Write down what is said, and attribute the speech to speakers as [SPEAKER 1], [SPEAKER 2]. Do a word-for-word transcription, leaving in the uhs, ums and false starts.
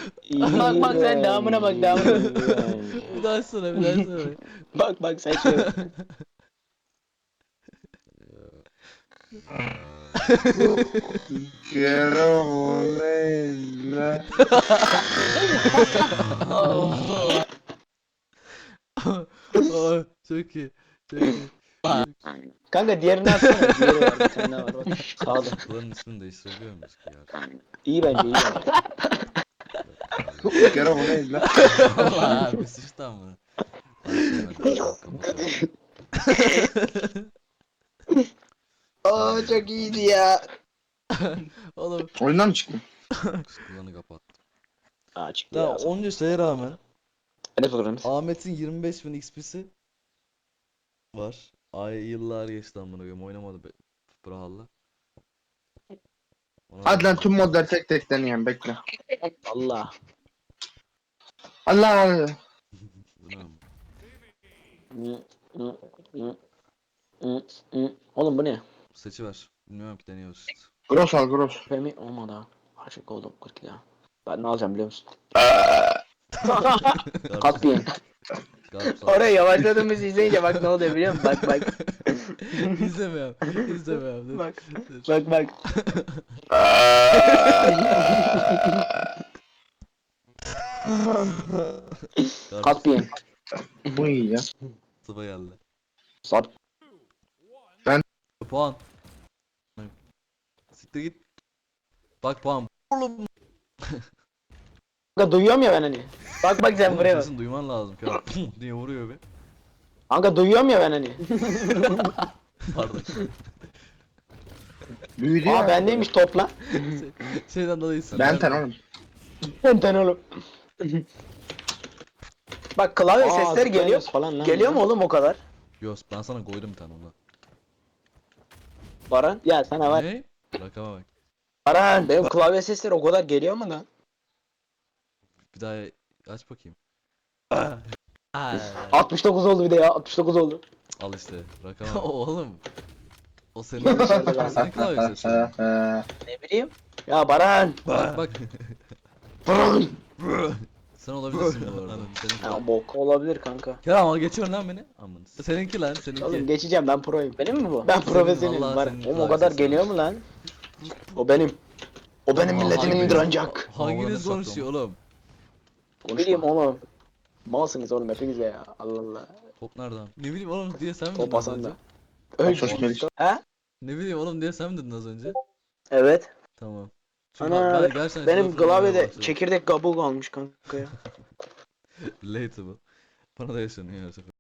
[SPEAKER 1] Bak bak sen devamına bak devamına.
[SPEAKER 2] Bir daha sonra bir daha sonra.
[SPEAKER 1] Bak bak sen şöyle.
[SPEAKER 3] Quiero volver.
[SPEAKER 2] Aa, çok iyi. Çok iyi.
[SPEAKER 1] Kanka diğerini atsana. Diğeri var bir tane daha var bak. Sağda.
[SPEAKER 2] Bunların ismini değiştirebiliyor muyuz ki ya?
[SPEAKER 1] İyi bence iyi bence.
[SPEAKER 3] Quiero volver.
[SPEAKER 2] Allah abi sıçtı ama.
[SPEAKER 1] Aa çok iyiydi ya.
[SPEAKER 2] Oğlum
[SPEAKER 3] Oyundan mı çıktın?
[SPEAKER 2] kullanı kapat.
[SPEAKER 1] Aa çıktı
[SPEAKER 2] Daha
[SPEAKER 1] ya.
[SPEAKER 2] onca şeye rağmen
[SPEAKER 1] Ne programımız?
[SPEAKER 2] Ahmet'in yirmi beş bin X P'si var. Ay yıllar geçti amına koyayım oynamadı be Brawl'la. Ona
[SPEAKER 3] Hadi lan
[SPEAKER 2] rağmen-
[SPEAKER 3] tüm modları tek tek deneyelim bekle.
[SPEAKER 1] Allah.
[SPEAKER 3] Allah.
[SPEAKER 2] Bu ne ama?
[SPEAKER 1] Hı, hı, hı, hı, hı. Oğlum bu ne?
[SPEAKER 2] Seçiver. Bilmiyorum ki deniyoruz işte.
[SPEAKER 3] Gross al gross.
[SPEAKER 1] Femi olmadı ha. Aşık oldum kırk ya. Ben ne alacağım biliyor musun? Katliyen.
[SPEAKER 2] Garp sağ.
[SPEAKER 1] Oraya yavaşladığımız izleyince bak ne oluyor biliyor musun? Bak bak.
[SPEAKER 2] İzlemiyorum. İzlemiyorum. Dur.
[SPEAKER 1] Bak.
[SPEAKER 2] Dur.
[SPEAKER 1] Bak bak.
[SPEAKER 2] Garp
[SPEAKER 1] Katliyen.
[SPEAKER 3] Bu iyi ya.
[SPEAKER 2] sıva geldi.
[SPEAKER 1] Sat.
[SPEAKER 2] Puan. Siktir git. Bak puan. Oğlum.
[SPEAKER 1] Kanka duyuyorum ya ben hani. Bak bak sen
[SPEAKER 2] Oğlum
[SPEAKER 1] buraya bak.
[SPEAKER 2] sesini duyman lazım ki. diye vuruyor be.
[SPEAKER 1] Kanka duyuyorum ya ben hani.
[SPEAKER 2] Pardon.
[SPEAKER 3] Büyüdü
[SPEAKER 1] Aa
[SPEAKER 3] ya.
[SPEAKER 1] bendeymiş topla.
[SPEAKER 2] Şey- Şeyden dolayı
[SPEAKER 3] Ben ten oğlum.
[SPEAKER 1] Benden oğlum. Bak klavye sesleri geliyor.
[SPEAKER 4] falan lan.
[SPEAKER 1] Geliyor mu oğlum o kadar?
[SPEAKER 2] Yos ben sana koydum bir tane ondan.
[SPEAKER 1] Baran. Ya sana var.
[SPEAKER 2] Ne? Rakama bak.
[SPEAKER 1] Baran benim klavye sesleri o kadar geliyor mu lan?
[SPEAKER 2] Bir daha aç bakayım.
[SPEAKER 1] altmış dokuz oldu bir de ya altmış dokuz oldu.
[SPEAKER 2] Al işte rakama bak. Oğlum. O senin o senin klavye sesi.
[SPEAKER 1] Ne bileyim. Ya Baran.
[SPEAKER 2] Bak bak.
[SPEAKER 1] Baran.
[SPEAKER 2] Sen olabilirsin bu arada. Senin klavye.
[SPEAKER 1] Ya bok olabilir kanka.
[SPEAKER 2] Ya ama geçiyorsun lan beni. Aman. Seninki lan seninki.
[SPEAKER 1] Oğlum geçeceğim ben proyum. Benim mi bu? Ben
[SPEAKER 2] Senin,
[SPEAKER 1] profesyonelim.
[SPEAKER 2] vallahi
[SPEAKER 1] Var.
[SPEAKER 2] senin
[SPEAKER 1] Oğlum o
[SPEAKER 2] klavye
[SPEAKER 1] kadar
[SPEAKER 2] sesi
[SPEAKER 1] geliyor
[SPEAKER 2] var.
[SPEAKER 1] mu lan? O benim. O benim
[SPEAKER 2] Oğlum,
[SPEAKER 1] milletimindir
[SPEAKER 2] hanginiz-
[SPEAKER 1] ancak.
[SPEAKER 2] Hanginiz
[SPEAKER 4] soktum.
[SPEAKER 2] konuşuyor oğlum?
[SPEAKER 1] Ne bileyim oğlum. Malsınız oğlum hepiniz ya. Allah Allah.
[SPEAKER 2] Top nereden? Ne bileyim oğlum diye sen mi dedin
[SPEAKER 1] Top
[SPEAKER 2] az
[SPEAKER 1] Hasan
[SPEAKER 2] önce?
[SPEAKER 1] da. Öyle.
[SPEAKER 3] Sos Meriç.
[SPEAKER 1] He?
[SPEAKER 2] Ne bileyim oğlum diye sen mi dedin az önce?
[SPEAKER 1] Evet.
[SPEAKER 2] Tamam. Çünkü
[SPEAKER 1] Ana
[SPEAKER 2] ben gerçekten
[SPEAKER 1] benim
[SPEAKER 2] şizofren olmaya
[SPEAKER 1] klavyede
[SPEAKER 2] başladım.
[SPEAKER 1] çekirdek kabuğu kalmış kanka ya.
[SPEAKER 2] Relatable. Bana da yaşanıyor her sefer.